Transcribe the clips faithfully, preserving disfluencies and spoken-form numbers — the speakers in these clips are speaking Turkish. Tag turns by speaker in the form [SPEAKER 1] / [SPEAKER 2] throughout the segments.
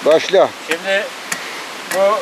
[SPEAKER 1] Başla.
[SPEAKER 2] Şimdi bu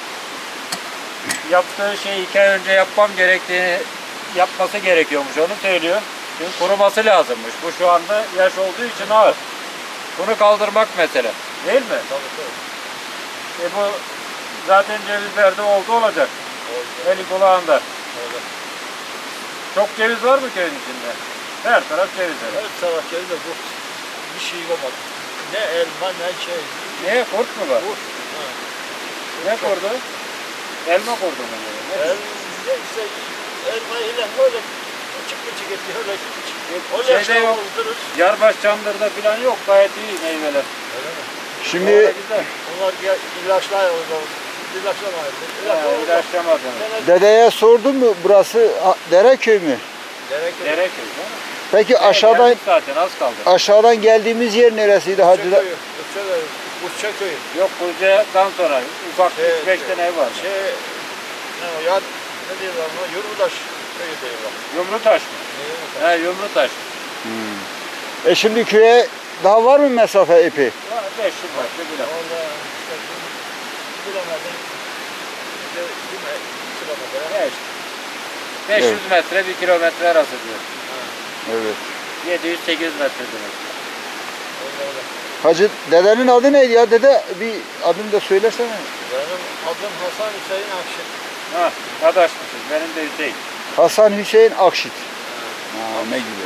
[SPEAKER 2] yaptığı şeyi iki ay önce yapmam gerektiğini yapması gerekiyormuş, onu söylüyor. Çünkü kuruması lazımmış. Bu şu anda yaş olduğu için ağır. Bunu kaldırmak mesele. Değil mi?
[SPEAKER 3] Tabii tabii.
[SPEAKER 2] E bu zaten cevizlerde oldu olacak.
[SPEAKER 3] Oldu.
[SPEAKER 2] Eli kulağında.
[SPEAKER 3] Öyle.
[SPEAKER 2] Çok ceviz var mı köyün içinde? Her taraf ceviz.
[SPEAKER 3] Her taraf geldi bu. Bir şey olmadı. Ne elma ne şey.
[SPEAKER 2] Niye? Kurt mu var?
[SPEAKER 3] Bu. Ha.
[SPEAKER 2] Ne kurdu? Elma kurdu mu? Ne?
[SPEAKER 3] El, ne işte elma ile böyle küçük küçük ediyor. Öyle küçük. O
[SPEAKER 2] Şeyde
[SPEAKER 3] yaşta
[SPEAKER 2] yok.
[SPEAKER 3] oldurur.
[SPEAKER 2] Yarbaş Çandır'da falan yok. Gayet iyi meyveler.
[SPEAKER 3] Öyle mi?
[SPEAKER 1] Şimdi
[SPEAKER 2] Orada güzel.
[SPEAKER 3] Onlar ilaçlar oldu. İlaçlamaydı.
[SPEAKER 2] Ha, ilaçlamadınız.
[SPEAKER 1] dedeye sordun mu burası a- Dereköy mü?
[SPEAKER 3] Gerek yok.
[SPEAKER 2] Dereköy değil mi?
[SPEAKER 1] Peki aşağıdan
[SPEAKER 2] Geldik zaten az kaldı.
[SPEAKER 1] aşağıdan geldiğimiz yer neresiydi Hacı? da-
[SPEAKER 3] Uçaköy'ü. Uçaköy'ü. Uçaköy'ü.
[SPEAKER 2] Yok Kuzey'den sonra ufak
[SPEAKER 3] Şey,
[SPEAKER 2] üç beş tane ev var.
[SPEAKER 3] Şey, ne o ya, ne diyorlar ona? Yurdaş köyü diyorlar.
[SPEAKER 2] Yumrutaş mı?
[SPEAKER 3] Ne Yurdaş?
[SPEAKER 2] He Yumrutaş.
[SPEAKER 1] E şimdi köye daha var mı mesafe epey?
[SPEAKER 2] Var beş yüz metre bile.
[SPEAKER 3] Orada işte bilemedim. İşte değil mi? Kilometre.
[SPEAKER 2] Ne işte. beş yüz metre bir kilometre arası diyor.
[SPEAKER 1] Evet.
[SPEAKER 2] yedi yüz sekiz yüz metre demek.
[SPEAKER 3] Öyle öyle.
[SPEAKER 1] Hacı dedenin adı neydi ya? Dede bir adını da söylesene.
[SPEAKER 3] Benim adım Hasan Hüseyin Akşin.
[SPEAKER 2] Ha, adaşmışız. Benim de Hüseyin.
[SPEAKER 1] Hasan Hüseyin Akşit. Ha, ne gibi.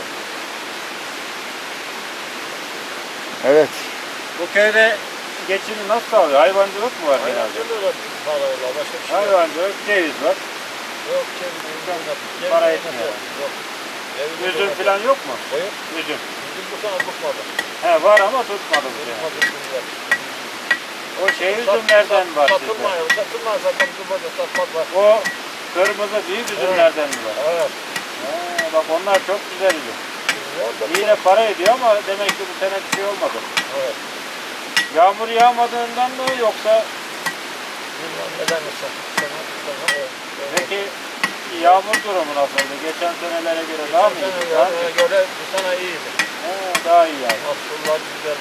[SPEAKER 1] Evet.
[SPEAKER 2] Bu köyde geçimi nasıl sağlıyor? Hayvancılık mı var genelde?
[SPEAKER 3] Hayvancılığı da bağlarlar. Başka bir şey yok.
[SPEAKER 2] Hayvancılık, ceviz var.
[SPEAKER 3] Yok çeviriyor.
[SPEAKER 2] Çok para etmiyor.
[SPEAKER 3] Yok.
[SPEAKER 2] Üzüm falan yok mu?
[SPEAKER 3] Hayır.
[SPEAKER 2] Üzüm.
[SPEAKER 3] Bizim bu sene tutmadı.
[SPEAKER 2] He var ama tutmadı bu sene.
[SPEAKER 3] Tutmadı bizimler.
[SPEAKER 2] O şey üzümlerden var sizde.
[SPEAKER 3] Satılmıyor. Satılmaz zaten bizim burada satmak var.
[SPEAKER 2] O kırmızı büyük üzümlerden mi var?
[SPEAKER 3] Evet.
[SPEAKER 2] He, bak onlar çok güzel üzüm.
[SPEAKER 3] Orada
[SPEAKER 2] Yine para ediyor ama demek ki bu sene bir şey olmadı.
[SPEAKER 3] evet.
[SPEAKER 2] Yağmur yağmadığından mı yoksa
[SPEAKER 3] Bilmem neden olsa. Sana, sana, evet.
[SPEAKER 2] peki yağmur durumu nasıldı? Geçen senelere göre daha mı
[SPEAKER 3] Geçen
[SPEAKER 2] iyi?
[SPEAKER 3] sene
[SPEAKER 2] Daha mı?
[SPEAKER 3] göre- göre bu sene iyiydi.
[SPEAKER 2] He, daha iyi yani.
[SPEAKER 3] Mahsullar güzel.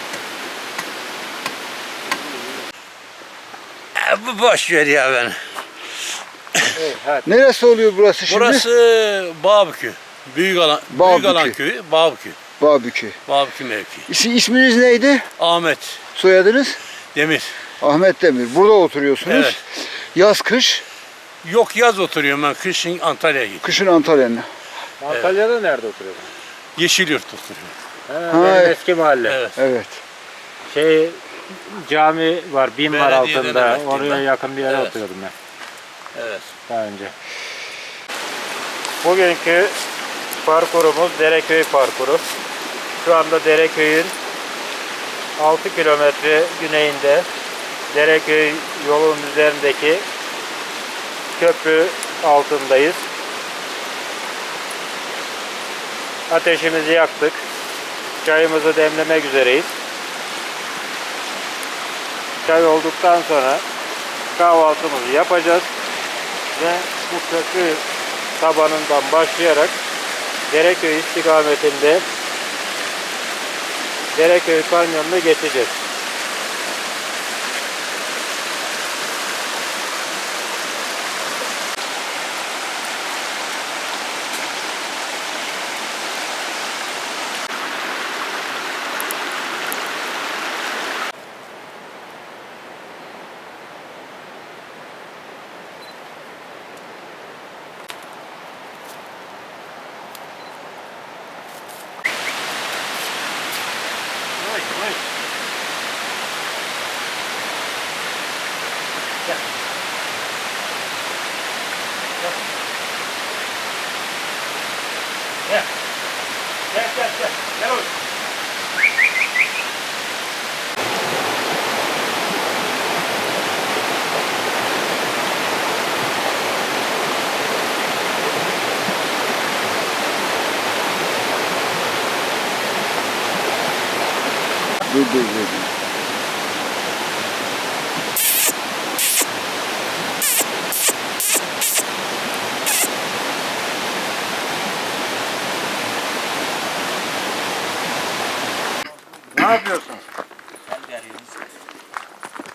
[SPEAKER 4] Bu boş ver ya ben.
[SPEAKER 2] Evet, hadi.
[SPEAKER 1] Neresi oluyor burası şimdi?
[SPEAKER 4] Burası Bağbükü. Büyük alan,
[SPEAKER 1] Bağbükü.
[SPEAKER 4] Büyük alan köyü Bağbükü.
[SPEAKER 1] Bağbükü.
[SPEAKER 4] Bağbükü mevki.
[SPEAKER 1] İsi, isminiz neydi?
[SPEAKER 4] Ahmet
[SPEAKER 1] Soyadınız?
[SPEAKER 4] Demir.
[SPEAKER 1] Ahmet Demir. Burada oturuyorsunuz.
[SPEAKER 4] Evet.
[SPEAKER 1] Yaz kış,
[SPEAKER 4] Yok yaz oturuyorum ben. Kışın Antalya'ya gidiyorum.
[SPEAKER 1] kışın Antalya'nın.
[SPEAKER 2] Antalya'da nerede oturuyorsun?
[SPEAKER 4] Yeşilyurt oturuyorum.
[SPEAKER 2] He,
[SPEAKER 1] Ha,
[SPEAKER 2] benim
[SPEAKER 1] evet.
[SPEAKER 2] eski mahalle.
[SPEAKER 4] Evet.
[SPEAKER 1] Evet.
[SPEAKER 2] Şey cami var, bin var
[SPEAKER 4] Belediyeden
[SPEAKER 2] altında.
[SPEAKER 4] emekliyim
[SPEAKER 2] Oraya
[SPEAKER 4] ben.
[SPEAKER 2] yakın bir yere
[SPEAKER 4] Evet.
[SPEAKER 2] oturuyordum ben
[SPEAKER 4] Evet.
[SPEAKER 2] daha önce. Bugünkü parkurumuz Dereköy parkuru. Şu anda Dereköy'ün altı kilometre güneyinde Dereköy yolun üzerindeki köprü altındayız. Ateşimizi yaktık. Çayımızı demlemek üzereyiz. Çay olduktan sonra kahvaltımızı yapacağız ve bu köprü tabanından başlayarak Dereköy istikametinde Dereköy Kanyonu'nu geçeceğiz. Gel. Gel gel gel. Gel oğlum.
[SPEAKER 1] Dur dur dur.
[SPEAKER 2] Ne yapıyorsun?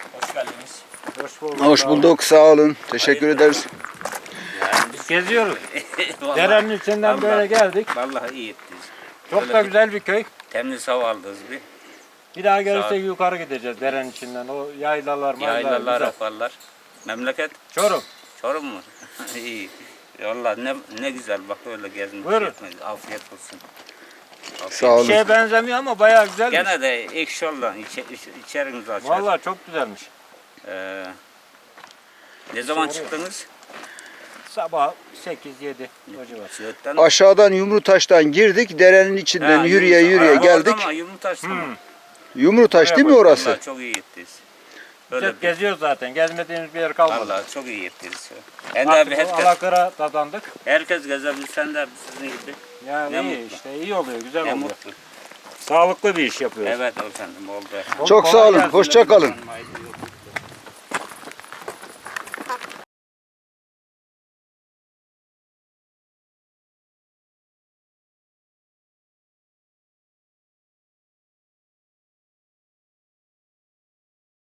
[SPEAKER 2] bulduk.
[SPEAKER 1] Hoş
[SPEAKER 2] sağ olun.
[SPEAKER 1] bulduk. Sağ olun. Teşekkür ederiz.
[SPEAKER 2] Biz geziyoruz.
[SPEAKER 5] Vallahi-
[SPEAKER 2] Derenin içinden böyle
[SPEAKER 5] vallahi-
[SPEAKER 2] geldik.
[SPEAKER 5] Vallahi iyi ettiniz.
[SPEAKER 2] Çok
[SPEAKER 5] Öyle
[SPEAKER 2] da
[SPEAKER 5] bir-
[SPEAKER 2] güzel bir köy.
[SPEAKER 5] Temiz hava aldınız bir.
[SPEAKER 2] Bir daha
[SPEAKER 5] Sağ ol.
[SPEAKER 2] gelirsek yukarı gideceğiz derenin içinden. O yaylalar, maylalar
[SPEAKER 5] Yaylalar,
[SPEAKER 2] güzel.
[SPEAKER 5] afarlar. Memleket
[SPEAKER 2] Çorum.
[SPEAKER 5] Çorum mu? İyi. Vallahi ne ne güzel bak öyle gezmek.
[SPEAKER 2] Buyurun.
[SPEAKER 5] Yapmayın. Afiyet olsun. Afiyet
[SPEAKER 1] Sağ olun.
[SPEAKER 2] Bir şeye benzemiyor ama bayağı güzelmiş.
[SPEAKER 5] Gene de ekşi olan içe, iç- içerinizi açar.
[SPEAKER 2] Vallahi çok güzelmiş.
[SPEAKER 5] Ee, ne zaman
[SPEAKER 2] Soruyor.
[SPEAKER 5] çıktınız?
[SPEAKER 2] Sabah sekiz yedi o civar.
[SPEAKER 5] Siirt'ten.
[SPEAKER 1] Aşağıdan Yumrutaş'tan girdik. Derenin içinden
[SPEAKER 5] Ha,
[SPEAKER 1] yürüye
[SPEAKER 5] Yumurta-
[SPEAKER 1] yürüye
[SPEAKER 5] Ha,
[SPEAKER 1] geldik.
[SPEAKER 5] orada mı? Yumurtaş'ta mı?
[SPEAKER 1] Yumrutaş değil mi orası?
[SPEAKER 5] Vallahi çok iyi ettiniz. Böyle
[SPEAKER 2] Hep
[SPEAKER 5] bir,
[SPEAKER 2] geziyoruz zaten. Gezmediğimiz bir yer kalmadı.
[SPEAKER 5] vallahi çok iyi ettiniz. Ben de
[SPEAKER 2] Artık
[SPEAKER 5] abi
[SPEAKER 2] o
[SPEAKER 5] herkes,
[SPEAKER 2] Alakır'a dadandık.
[SPEAKER 5] herkes gezebilsen de sizin gibi.
[SPEAKER 2] Yani
[SPEAKER 5] Ne
[SPEAKER 2] iyi
[SPEAKER 5] mutlu.
[SPEAKER 2] işte iyi oluyor, güzel
[SPEAKER 5] Ne
[SPEAKER 2] oluyor.
[SPEAKER 5] mutlu.
[SPEAKER 2] Sağlıklı bir iş yapıyoruz.
[SPEAKER 5] Evet efendim oldu.
[SPEAKER 1] Çok sağ
[SPEAKER 2] Kolay
[SPEAKER 1] olun.
[SPEAKER 2] gelsin
[SPEAKER 1] Hoşça
[SPEAKER 2] dedim.
[SPEAKER 1] kalın.